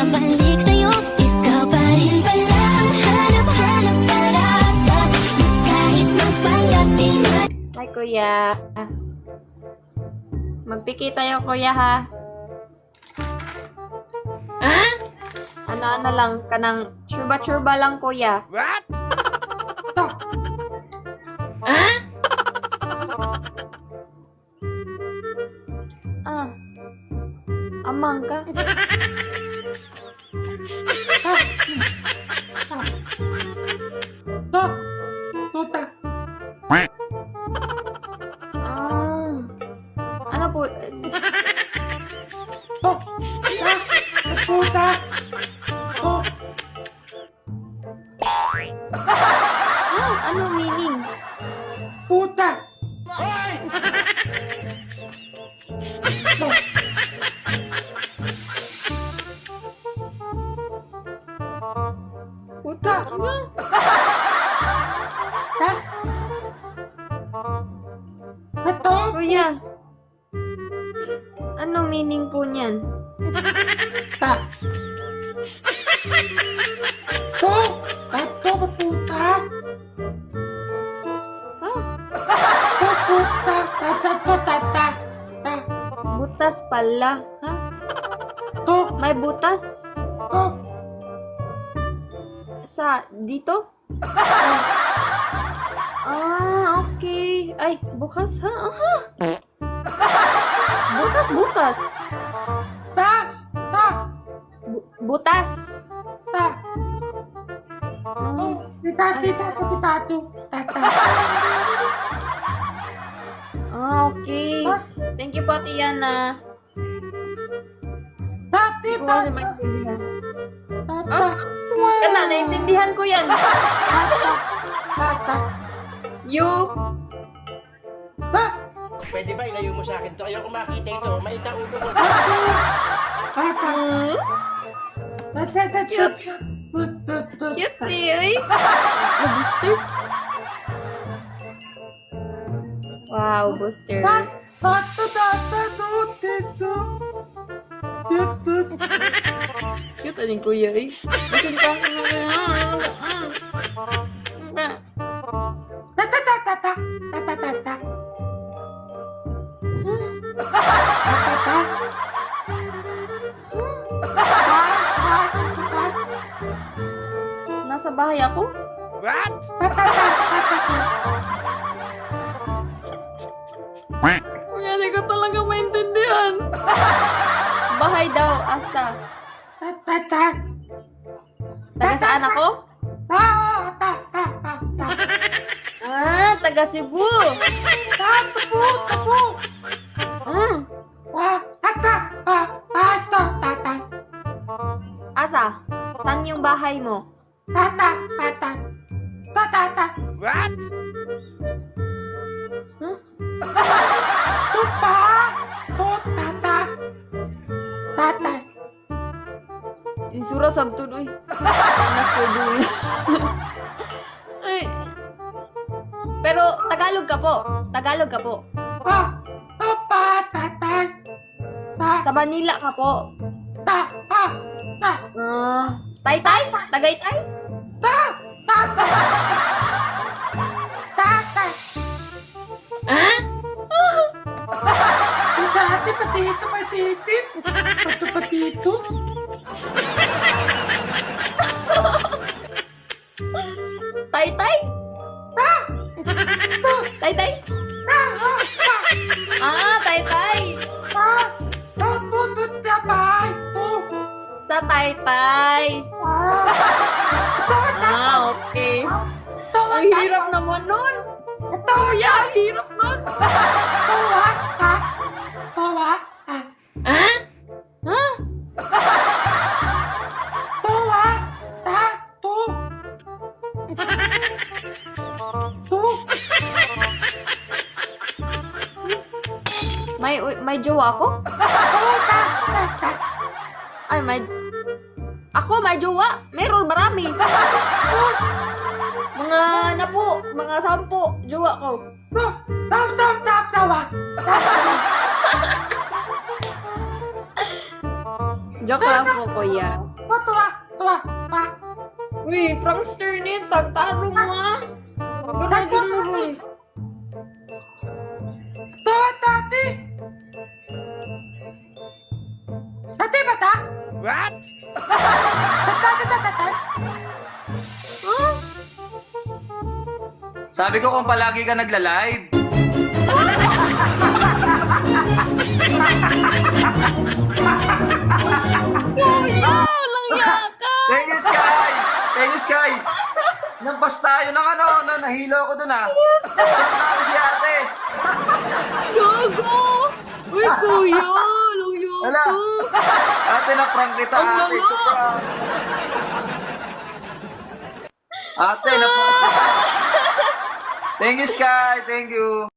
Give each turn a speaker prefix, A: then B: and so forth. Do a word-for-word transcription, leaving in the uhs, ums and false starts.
A: bumabalik sa'yo. Ikaw pa rin pala ang hanap-hanap karapat. Kahit magpanggap di na.
B: Hi, kuya. Magpiki tayo, kuya, ha? Ah? Ano-ano lang, kanang churba-churba lang, kuya.
C: What?
B: Ah? Ah. Amang ka?
D: To, tuta.
B: Ah. Ano po?
D: To, ta, tuta. To,
B: Ah, ano meaning?
D: puta. To,
B: Puta. Ano?
D: ta. Ito,
B: Kuya. Ano meaning po niyan?
D: ta. To, tato, puta.
B: Ah,
D: To, puta. Ta, ta, to, ta, ta. Ta,
B: butas pala. Ha?
D: to,
B: May butas?
D: to.
B: Sa dito? Ah, okay. Ay, bukas ha? Aha. Bukas, bukas.
D: Ta, ta,
B: Bu- butas.
D: ta.
B: Ah,
D: Oh, tita, tita, tita, tita, tita.
B: ah, okay. Thank you po, Tiana.
D: Ta,
B: Hindi ko
D: tita,
B: kasi maintindihan.
D: tata.
B: Kana, naintindihan ko yan.
D: Tata, tata.
B: You.
D: Ta,
C: Pwede ba ilayo mo sa akin to? Ayoko makita ito. Maita ulo ko.
D: tata.
B: Hmm?
D: Tata, tata.
B: Cute.
D: Tut, tut, tut.
B: Cute eh, oy. Oh, booster. Wow, booster.
D: Ta, tata, tata, tut, tut, tut, tut.
B: Cute aning kuya eh. Gusto ka.
D: Tata, tata, tata. Tata, tata. Tata.
B: Nasa bahay ako?
C: What?
B: Kuya, di ko talaga maintindihan. Bahay daw, asa? Taga saan ako? Ah, taga Cebu. Hmm, asa? Saan yung bahay mo?
C: What?
B: Huh? Isura sabtun, uy. Anas ko dun. Ay. Pero, Tagalog ka po. Tagalog ka po. Sa Manila ka po. Ah, Taytay? Tagaytay? Ah?
D: Dati patito, patito. Pato, patito.
B: Taytay? Taytay? Ah, Taytay. Sa Taytay. Ah, okay. Ang hirap naman nun. Kuya, ang hirap nun. Ah? Ha? May may jowa ako? Ay, may... Ako, may jowa. Meron, marami. Mga na po, mga sampo, jowa ko.
D: Tap, tap, tap, tawa. Tap, tawa.
B: Joke lang po, kuya.
D: Tuwa, tuwa, tuwa, tuwa.
B: Uy, prankster ni, tagtaro mo ha. Ganun, ganun.
D: Tuwa, tati. Tati ba ta?
C: What?
D: Tati, tati, tati.
B: Huh?
E: Sabi ko kung palagi ka nagla-live.
B: Kuya, lang yaka.
E: Thank you, Sky! Thank you, Sky! Nagpas tayo ng ano, na nahilo ko dun ah. Prank na ako si ate.
B: Gago. Uy, kuya, lang yaka.
E: Wala. Ate, na-prank kita,
B: Ang
E: ate.
B: lama.
E: Sobra. Ate, na-prank kita. Thank you, Sky. Thank you.